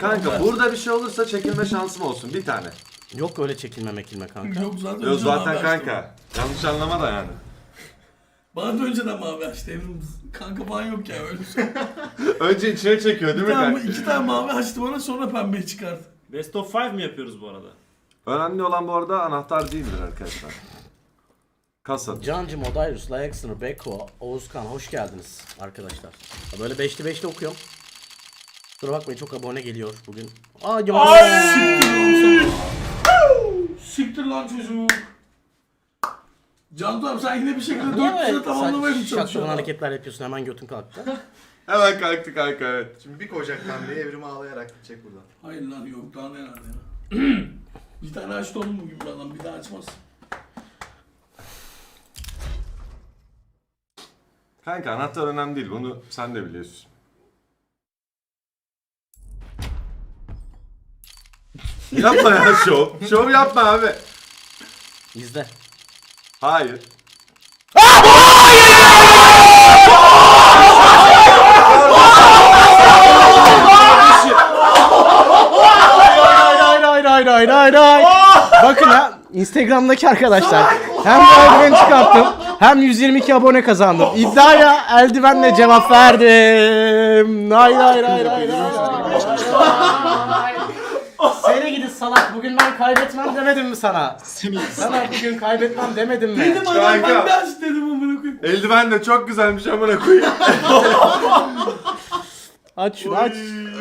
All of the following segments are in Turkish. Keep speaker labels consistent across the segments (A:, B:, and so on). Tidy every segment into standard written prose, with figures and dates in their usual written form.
A: Kanka burada bir şey olursa çekilme şansım olsun bir tane.
B: Yok öyle çekilme kanka.
C: Yok zaten.
A: Yok
C: önceden
A: zaten
C: mavi
A: kanka.
C: açtı.
A: Yanlış anlama da yani.
C: Bana da önceden mavi açtı Evrim. Kanka falan yok ya öyle şey.
A: Önce içine çekiyor değil mi kanka?
C: İki tane mavi açtı bana sonra pembeyi çıkardı.
D: Best of 5 mi yapıyoruz bu arada?
A: Önemli olan bu arada anahtar değildir arkadaşlar. Kasa.
B: Cancım, Odayrus, Layaksınır, Beko, Oğuzkan hoş geldiniz arkadaşlar. Böyle 5'li 5'li okuyorum. Kusura bakmayın çok abone geliyor bugün.
C: Siktir lan çocuk. Cantu abi sen yine bir şekilde
B: Niye
C: 400'e
B: böyle
C: tamamlamaya mı
B: şaklaman
C: çalışıyorsun?
B: hareketler yapıyorsun, hemen götün kalktı.
A: Hemen kalktı kanka evet.
E: Şimdi bir koyacak pembeyi Evrim'i ağlayarak gidecek buradan.
C: Hayır lan yok daha neler ya. Bir tane açtı oğlum bugün bir adam bir daha açmaz.
A: Kanka anahtar önemli değil bunu sen de biliyorsun. Yapma ya şov. Şov yapma abi.
B: İzle.
A: Hayır.
B: Hayır. Bakın ha, Instagram'daki arkadaşlar. Hem bu eldiveni çıkarttım, hem 122 abone kazandım. İddiaya eldivenle cevap verdim. Hayır. Seni gidi salak, bugün ben kaybetmem demedim mi sana? Sana bugün kaybetmem demedim mi?
C: Dedim adam
A: Kanka.
C: ben de aç dedim amına koyayım.
A: Eldiven de çok güzelmiş amına koyayım.
B: Aç şunu aç.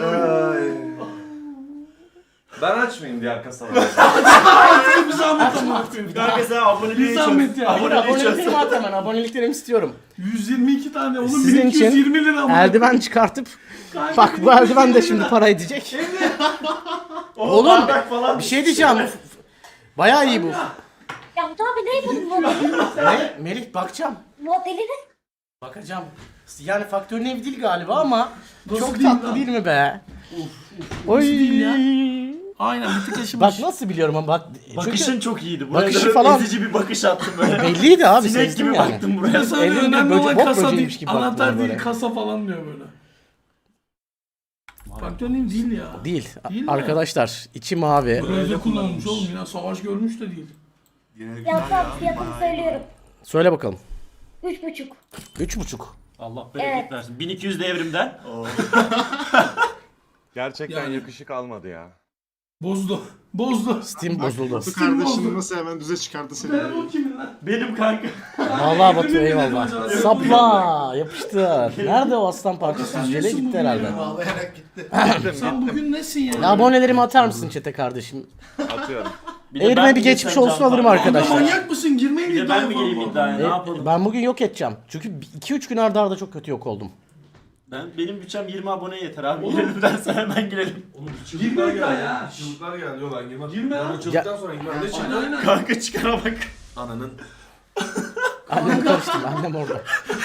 A: Ben açmayayım diğer kasaları.
C: Bir zahmet amına koyayım.
D: Kanka sen aboneliği
C: Bir zahmet ya.
B: Aboneliklerimi at hemen, aboneliklerimi istiyorum.
C: 122 tane oğlum
B: Sizin için
C: 1220 lira amına
B: eldiven çıkartıp,
C: Kanka,
B: bak bu eldiven de şimdi para edecek. Oğlum
D: falan
B: bir şey diyeceğim. Bayağı iyi bu.
F: Cantu abi ne bu modeli?
B: Ne? Melih bakacağım.
F: Modeli ne?
B: Bakacağım. Yani faktörün evi değil galiba ama
C: Nasıl
B: çok
C: değil
B: tatlı
C: lan?
B: değil mi be? Oy.
C: değil ya? Aynen bir tık yaşamış.
B: Bak nasıl biliyorum ama bak.
D: Bakışın çok iyiydi. Buraya
B: Bakışı
D: da
B: falan-
D: ezici bir bakış attım böyle.
B: Belliydi abi.
D: Sinek
B: sezdim
D: gibi
B: yani.
D: baktım buraya.
C: Sana
B: Evrimde
C: önemli
B: böcek-
C: olan
B: bok
C: kasa
B: böceğiymiş
C: değil,
B: gibi baktım
C: anahtar
B: ona
C: değil,
B: böyle.
C: kasa falan diyor böyle. Faktörün değil ya.
B: Değil.
C: Değil mi?
B: Arkadaşlar içi mavi.
C: Böyle kullanılmış oğlum ya savaş görmüş de değil.
F: Cantu abi fiyatını söylüyorum.
B: Söyle bakalım.
F: 3,5.
B: 3,5.
D: Allah bereket
F: Evet.
D: versin. 1200 de evrimden.
A: Gerçekten
C: Yani.
A: yakışık almadı ya.
C: Bozdu. Bozdu.
B: Steam bozuldu.
E: Bu kardeşini nasıl hemen düze çıkardı seni.
C: Ben o kimin lan?
D: Benim kanka.
B: Vallahi Batu
C: Evrim'in
B: eyvallah.
C: dedim acaba.
B: Sapla yapıştır. Nerede o aslan parçası?
C: Sen
B: Jele
C: nesin
B: gitti
C: bugün
B: herhalde.
C: ya?
E: Ağlayarak gitti.
C: Sen bugün nesin ya?
B: Abonelerimi atar mısın çete kardeşim?
A: Atıyorum.
D: Bir de
B: Evrime
D: ben
B: bir
D: mi
B: geçmiş
D: geçsem
B: olsun
D: Can
B: alırım
D: Park?
B: arkadaşlar.
C: Manyak mısın? Girmeyin
D: Bir de
C: iddiaya
D: ben mi
C: falan
D: geleyim
C: bu
D: iddiaya?
C: adamı.
D: Ne yapalım?
B: Ben bugün yok edeceğim. Çünkü 2-3 gün arda arda çok kötü yok oldum.
D: Benim bütçem 20 aboneye yeter abi. Girelim dersen hemen girelim.
C: Girme iddiaya.
G: Çığlıklar geldi yol lan girmez.
C: Girme
G: Ben
C: lan.
G: o çığlıktan sonra girmem. Ne çığlığı?
C: Aynen aynen.
D: Kanka çıkara bak.
G: Ananın.
B: Annem karıştım, annem orada.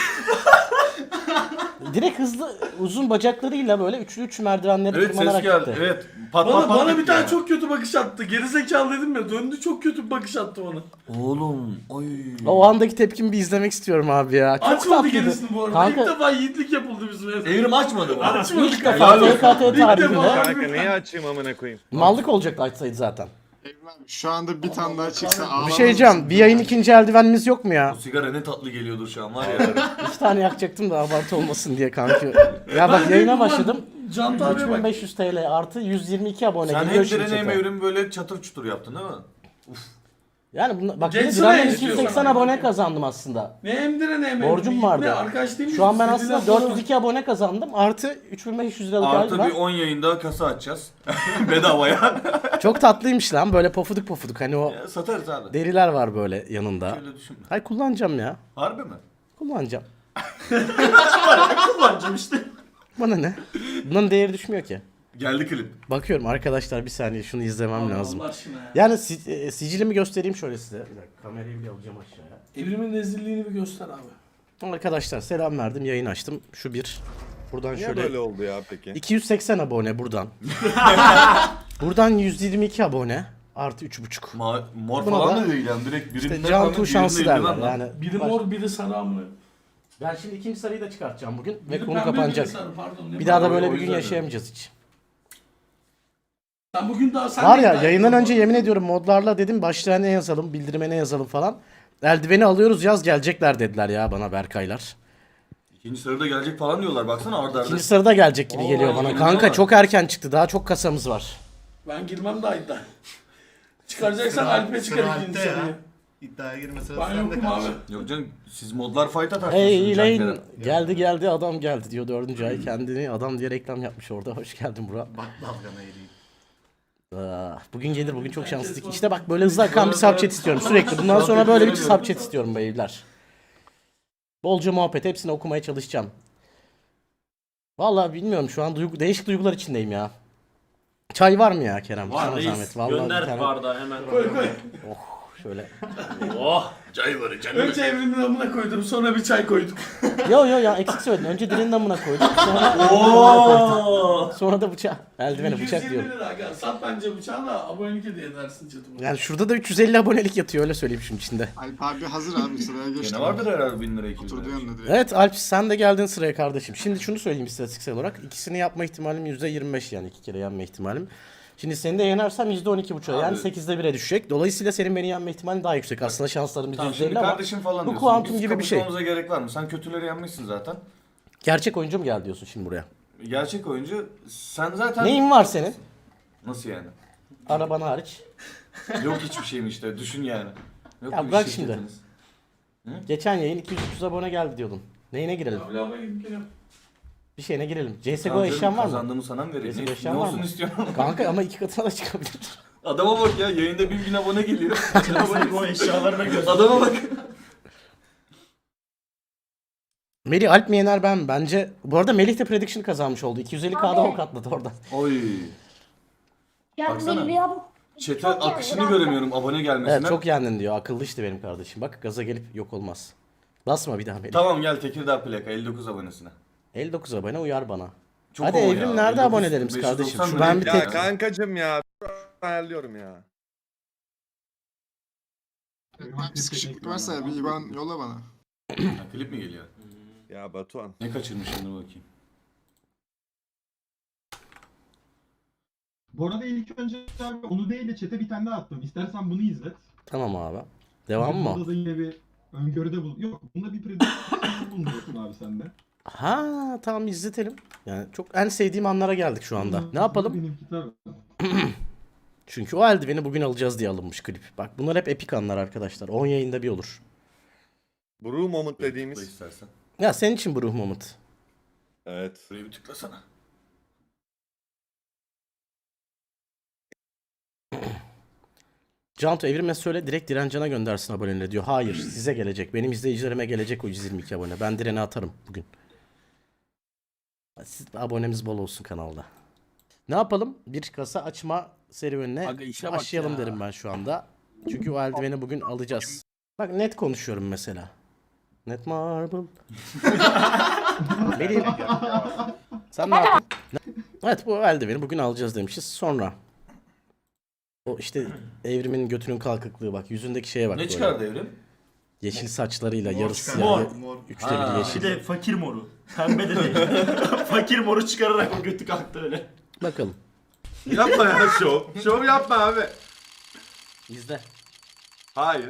B: Direkt hızlı, uzun bacaklarıyla böyle üçlü merdivenleri
G: Evet ses
B: tırmanarak
G: geldi.
B: gitti.
G: Evet. Pat pat pat.
C: Bana bir
G: gitti
C: tane
G: ya.
C: çok kötü bakış attı. Gerizekalı dedim ya. Döndü çok kötü bir bakış attı bana.
G: Oğlum. Oy.
B: O andaki tepkimi bir izlemek istiyorum abi ya. Çok
C: Açmadı
B: tatlıydı.
C: gerisini bu arada.
B: Kanka-
C: İlk defa yiğitlik yapıldı bizim evde.
G: Evrim açmadı mı?
C: Açmadık.
B: İlk defa TKT tarihinde
C: defa.
A: Kanka niye açayım amına koyayım?
B: mallık olacaktı açsaydı zaten.
E: Evrim abi şu anda bir tane daha çıksa ağlamaz
B: Bir şey diyeceğim, bir yayın ikinci eldivenimiz yok mu ya?
G: Bu sigara ne tatlı geliyordur şu an var ya.
B: 2 tane yakacaktım da abartı olmasın diye kanki. Ya bak yayına başladım.
C: Can abiye bak.
B: 3500 TL artı 122 abone
G: Sen
B: geliyor
G: hem
B: şimdi
G: direne hem
B: chat'e.
G: evrimi böyle çatır çutur yaptın değil mi?
B: Yani bunla, bak bir
C: Geçsene
B: Diren'den
C: istiyorsan
B: 280
C: abi.
B: abone kazandım aslında.
C: Ne emdire ne emdire.
B: Borcum vardı.
C: Ne arkadaş değil mi?
B: Şu an ben
C: Dediler
B: aslında
C: falan.
B: 402 abone kazandım. Artı 3500 liralık
G: Artı bir
B: eldiven.
G: 10 yayında kasa açacağız. Bedavaya.
B: Çok tatlıymış lan böyle pofuduk pofuduk. Hani o
G: Ya, satarız abi.
B: deriler var böyle yanında.
G: Öyle düşünme.
B: Hay kullanacağım ya.
G: Harbi mi?
B: Kullanacağım.
D: Kullanacağım işte.
B: Bana ne? Bunun değeri düşmüyor ki.
G: Geldi klip.
B: Bakıyorum arkadaşlar bir saniye şunu izlemem
C: Allah
B: lazım.
C: Allah aşkına ya.
B: Yani sicilimi göstereyim şöyle size. Bir dakika kamerayı bile alacağım aşağıya.
C: Evrimin rezilliğini bir göster abi.
B: Arkadaşlar selam verdim yayın açtım. Şu bir. Buradan
A: Niye
B: şöyle.
A: böyle oldu ya peki?
B: 280 abone buradan. Buradan 122 abone. Artı 3,5.
G: Mor
B: Buna
G: falan
B: da-
G: da değil yani direkt birinden
B: İşte Cantu şansı derler yani.
C: Biri mor biri sarı amına.
B: Ben şimdi ikinci sarıyı da çıkartacağım bugün ve
C: Biri
B: konu
C: pembe, biri
B: kapanacak.
C: sarı, pardon. Ne
B: Bir daha da
C: pardon.
B: böyle
G: o
B: bir gün
G: yüzden
B: yaşayamayacağız hiç.
C: Sen bugün daha sen
B: Var
C: de
B: ya
C: iddia
B: yayından
C: ettin
B: önce
C: bu arada.
B: yemin ediyorum modlarla dedim başlığa ne yazalım, bildirime ne yazalım falan. Eldiveni alıyoruz yaz gelecekler dediler ya bana Berkaylar.
G: İkinci sırada gelecek falan diyorlar. Baksana arda arda.
B: İkinci sırada gelecek gibi geliyor bana.
G: yemin
B: Kanka
G: ediyorum.
B: çok erken çıktı. Daha çok kasamız var.
C: Ben girmem daha iddia. Çıkaracaksan Alp'e çıkar ikinci sırayı.
E: İddiaya girme sırası
C: Ben
E: sende
C: yokum
E: kardeşim.
C: abi.
G: Yok canım siz modlar fight atarsınız.
B: Hey
G: Cankere.
B: Lane geldi adam geldi diyor 4. ay kendini adam diye reklam yapmış orada. Hoş geldin Burak.
E: Bak dalgana eğileyim.
B: Bugün gelir bugün çok şanslıydık. İşte bak böyle hızlı akan bir subchat istiyorum sürekli. Bundan sonra böyle bir subchat istiyorum beyler. Bolca muhabbet hepsini okumaya çalışacağım. Vallahi bilmiyorum şu an değişik duygular içindeyim ya. Çay var mı ya Kerem?
D: Var
B: Sana
D: reis.
B: zahmet. Vallahi bir
D: Gönder
B: tane-
D: bardağı hemen.
C: Koy koy.
B: Şöyle.
D: Oh.
G: Çay var canım.
C: Önce evrimin amına koydum sonra bir çay koyduk.
B: Yo ya eksik söyledin. Önce dilinin damına koyduk. Sonra,
D: Oo.
B: sonra da bıçağı. Eldiveni bıçak
C: 120
B: diyorum.
C: lira aga. Sat bence bıçağı da abonelik hediye edersin chatıma.
B: Yani şurada da 350 abonelik yatıyor öyle söyleyeyim şunun içinde.
E: Alp abi hazır abi sıraya geçti.
G: Gene vardır herhalde 1000 lira 2000
E: Oturdu
G: lira.
E: yanına direkt.
B: Evet Alp sen de geldin sıraya kardeşim. Şimdi şunu söyleyeyim istatistiksel olarak. İkisini yapma ihtimalim %25 yani 2 kere yenme ihtimalim. Şimdi seni de yenersem %12,5 yani
G: Abi.
B: 8'de 1'e düşecek. Dolayısıyla senin beni yenme ihtimalin daha yüksek. Aslında şanslarım
G: Tamam şimdi
B: %50 ama
G: kardeşim falan
B: bu
G: diyorsun.
B: kuantum
G: Biz
B: gibi bir şey.
G: kapışmamıza gerek var mı? Sen kötüleri yenmişsin zaten.
B: gerçek oyuncu mu geldi diyorsun şimdi buraya?
G: Gerçek oyuncu sen zaten...
B: Neyin var senin?
G: Nasıl yani?
B: Araban hariç.
G: Yok hiçbir şeyim işte düşün yani. Yok
B: Ya
G: bir
B: bırak
G: şirketiniz.
B: Geçen yayın 200-300 abone geldi diyordun. Neyine girelim?
C: Abi lava gidip geliyorum.
B: Bir şeyine girelim. CSGO
G: Tamam
B: eşyan
G: canım,
B: var mı?
G: Kazandığımı sana mı vereyim?
B: Bizim
G: Ne,
B: eşyan
G: ne
B: var
G: olsun
B: mı?
G: istiyorsun?
B: Kanka ama 2 katına da çıkabilir.
G: Adama bak ya yayında 1000 abone geliyor.
D: Bu eşyalarına göz.
G: Adama bak.
B: Melih Alp mi yener ben mi? Bence bu arada Melih de prediction kazanmış oldu. 250k'da
F: Abi.
B: ok atladı oradan.
G: Oy.
F: Ya
G: Baksana.
F: benim ya bu.
G: Chat'e
F: Çok
G: akışını
F: yani,
G: göremiyorum abone gelmesine.
B: Evet çok yendin diyor. Akıllı işte benim kardeşim. Bak gaza gelip yok olmaz. Basma bir daha Melih.
G: Tamam gel Tekirdağ plaka 59 abonesine.
B: 59 abone uyar bana.
G: Çok
B: Hadi
G: o
B: Evrim
G: ya,
B: nerede
G: 59,
B: abonelerimiz kardeşim?
G: 590
B: Şu ben bir
G: lira
B: tek...
G: ya.
H: Kankacım ya. Ayarlıyorum ya.
E: Bir sıkışıklık varsa bir IBAN yolla bana.
G: Ha, klip mi geliyor?
H: Ya Batuhan.
G: Ne kaçırmışım dur bakayım.
I: Bu arada ilk önce abi onu değil de chat'e bir tane daha attım. İstersen bunu izlet.
B: Tamam abi. Devam mı?
I: Burada da yine bir öngörüde bul. Yok, bunda bir prediction bulunuyorsun abi sen de.
B: Ha tamam izletelim. Yani çok en sevdiğim anlara geldik şu anda. Ne yapalım?
I: Benimki tabii.
B: Çünkü o eldiveni bugün alacağız diye alınmış klip. Bak bunlar hep epik anlar arkadaşlar. 10 yayında bir olur.
H: Brew Moment
G: Tıkla
H: dediğimiz.
G: istersen.
B: Ya senin için bu ruh moment.
H: Evet.
G: Buraya bir tıklasana.
B: Canto Evrim'e söyle direkt Direncan'a göndersin aboneliğini diyor. Hayır size gelecek. Benim izleyicilerime gelecek o 122 abone. Ben Diren'e atarım bugün. Siz, abonemiz bol olsun kanalda. Ne yapalım? Bir kasa açma serüvenine
C: Aga işe bak
B: başlayalım
C: ya.
B: derim ben şu anda. Çünkü o eldiveni bugün alacağız. Bak net konuşuyorum mesela. Net marble. Benim. Sen ne yaptın? Evet bu eldiveni bugün alacağız demişiz. Sonra. O işte Evrim'in götünün kalkıklığı bak. Yüzündeki şeye bak.
G: Ne
B: böyle.
G: çıkardı Evrim?
B: Yeşil saçlarıyla
E: Mor
B: yarısı
E: çıkardı.
B: siyah.
E: Mor.
B: Üçte
G: Ha.
B: biri yeşil.
D: Bir de fakir moru. Pembe de değil. Fakir moru çıkararak o götü kalktı öyle.
B: Bakalım.
H: Yapma ya şov. Şov yapma abi.
B: İzle.
H: Hayır.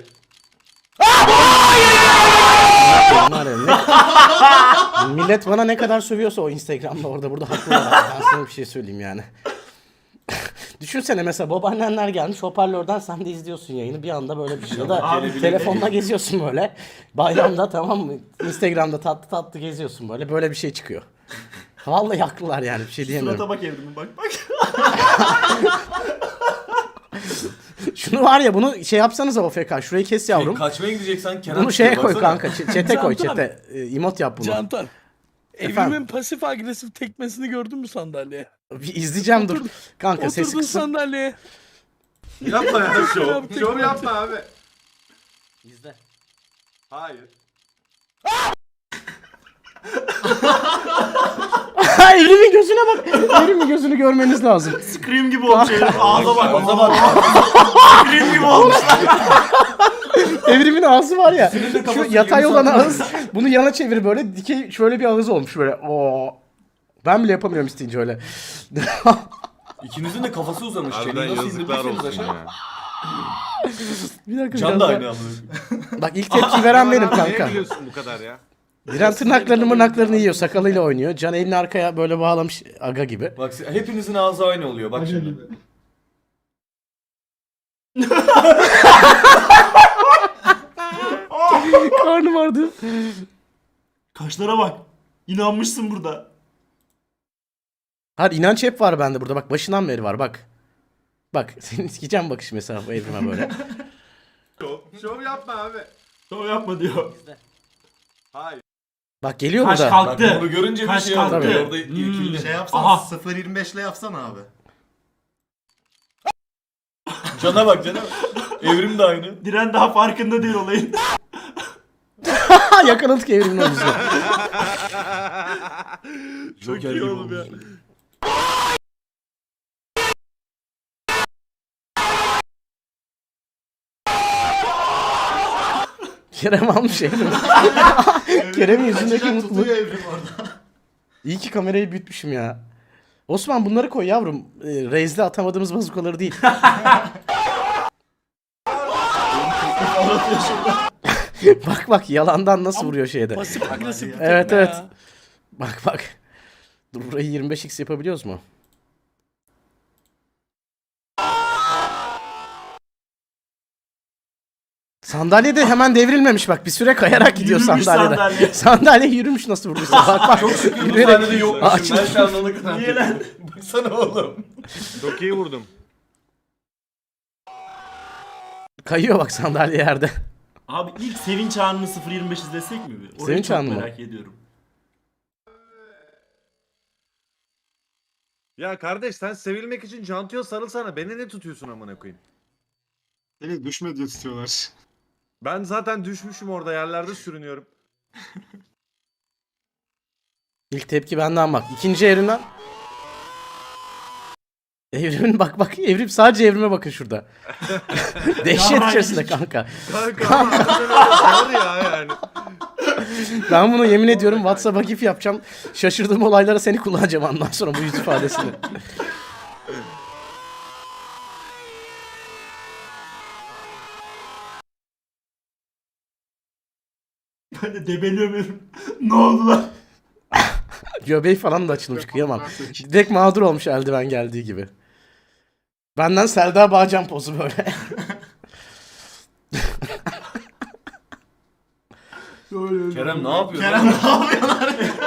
B: Var ya, millet bana ne kadar sövüyorsa o Instagram'da orada burada haklılar. Ben sana bir şey söyleyeyim yani. Düşünsene mesela babaannenler gelmiş hoparlörden sen de izliyorsun yayını bir anda böyle bir şey. Ya da
D: Abi,
B: telefonla geziyorsun böyle. Bayramda tamam mı? Instagram'da tatlı tatlı geziyorsun böyle. Böyle bir şey çıkıyor. Vallahi haklılar yani bir şey diyemiyorum.
D: Surata bak Evrim'in bak bak.
B: Şunu var ya bunu şey yapsanıza OFK şurayı kes yavrum.
G: Kaçmaya gideceksen Kenan
B: Bunu şeye
G: çıkıyor,
B: koy
G: baksana.
B: kanka çete koy
C: Cantan.
B: çete. Emot yap bunu.
C: Cantan.
B: Efendim?
C: Evrimin pasif agresif tekmesini gördün mü sandalyeye?
B: Bir izleyeceğim dur. Kanka sesi
C: Oturdun
B: kısın.
C: sandalyeye.
H: Yapma ya şov.
C: Yaptık,
H: Şov
C: yaptık.
H: yapma abi.
B: İzle.
H: Hayır.
B: Evrim'in gözüne bak. Evrim'in gözünü görmeniz lazım.
D: Scream gibi olmuş Evrim. Ağza bak ağza bak. Scream gibi olmuş.
B: Evrim'in ağzı var ya. Şu
G: kafası
B: yatay
G: yirmi
B: olan
G: santim.
B: ağız. Bunu yana çevir böyle dikey şöyle bir ağız olmuş böyle. Oo. Ben bile yapamıyorum isteyince öyle.
G: İkinizin de kafası uzamış.
H: Harbiden
G: Çeneyi nasıl
H: yazıklar
G: indirdiyseniz
H: olsun
G: aşağı.
H: ya.
B: Bir dakika
G: Can
B: biraz
G: da
B: daha-
G: aynı amına.
B: Bak ilk tepki veren benim
H: Abi,
B: kanka.
H: Niye biliyorsun bu kadar ya?
B: Diren tırnaklarını mırnaklarını yiyor. Sakalıyla oynuyor. Can elini arkaya böyle bağlamış aga gibi.
G: Bak hepinizin ağzı aynı oluyor. Bak
I: Aga
G: şimdi.
I: gibi.
B: Karnım vardı.
D: Kaşlara bak. İnanmışsın burada.
B: Hayır inanç hep var bende burada. Bak başından beri var bak. Bak senin sikeceğim bakış mesela bu evrime böyle.
H: Şov yapma abi.
D: Şov yapma diyor.
H: Hayır.
B: Bak geliyor
D: Kaş
B: burada.
G: Bak
D: kalktı.
G: bunu görünce bir
D: Kaş
G: şey
D: kalktı.
G: oluyor. Orada irkildi.
E: Şey yapsana
D: Aha.
E: 0.25 ile yapsana abi.
G: Cana bak cana. Evrim de aynı.
D: Diren daha farkında değil olayın.
B: Yakaladık evrimin omuzuna.
H: Çok iyi oğlum ya.
B: Kerem almış evrim. Kerem'in yüzündeki
E: Gerçekten
B: mutluluk.
E: tutuyor evrim orada.
B: İyi ki kamerayı büyütmüşüm ya. Osman bunları koy yavrum. Reis'de atamadığımız bazukaları değil. Bak bak yalandan nasıl vuruyor şeyde.
C: Pasif agresif.
B: Evet,
C: tekme
B: evet.
C: ya.
B: Bak bak. Dur burayı 25x yapabiliyoruz mu? Sandalye de hemen devrilmemiş bak. Bir süre kayarak gidiyor
D: Yürümüş
B: sandalyede.
D: sandalye.
B: Sandalye yürümüş nasıl vurduysa. Bak bak.
G: Çok şükür bu
B: Yürüyerek-
G: sahnede yokmuşum.
B: Açıldı.
G: Ben şu an ona kadar.
D: Niye lan?
G: Baksana oğlum.
H: Çok iyi vurdum.
B: Kayıyor bak sandalye yerde.
D: Abi ilk Sevinç Anı'nı 0.25 izlesek mi bir? Orayı
B: Sevinç
D: çok
B: Anı mı?
D: merak ediyorum.
H: Ya kardeş sen sevilmek için Cantu'ya sarılsana. Beni ne tutuyorsun amına koyayım?
E: Seni düşme diye tutuyorlar.
H: Ben zaten düşmüşüm orada yerlerde sürünüyorum.
B: İlk tepki benden bak. İkinci evrimden. Evrimin bak bak. Evrim sadece evrime bakın şurada. Dehşet
D: Ya,
B: içerisinde kanka.
H: Kanka ama harbiden öyle zor ya yani.
B: Ben bunu yemin ediyorum WhatsApp'a gif yapacağım. Şaşırdığım olaylara seni kullanacağım ondan sonra bu yüz ifadesini.
D: Ben de debeliyorum. Ne oldu lan?
B: Göbeği falan da açılmış kıyamam. Direkt mağdur olmuş eldiven geldiği gibi. Benden Selda Bağcan pozu böyle.
G: Kerem ne yapıyor?
D: Kerem ne yapıyorlar?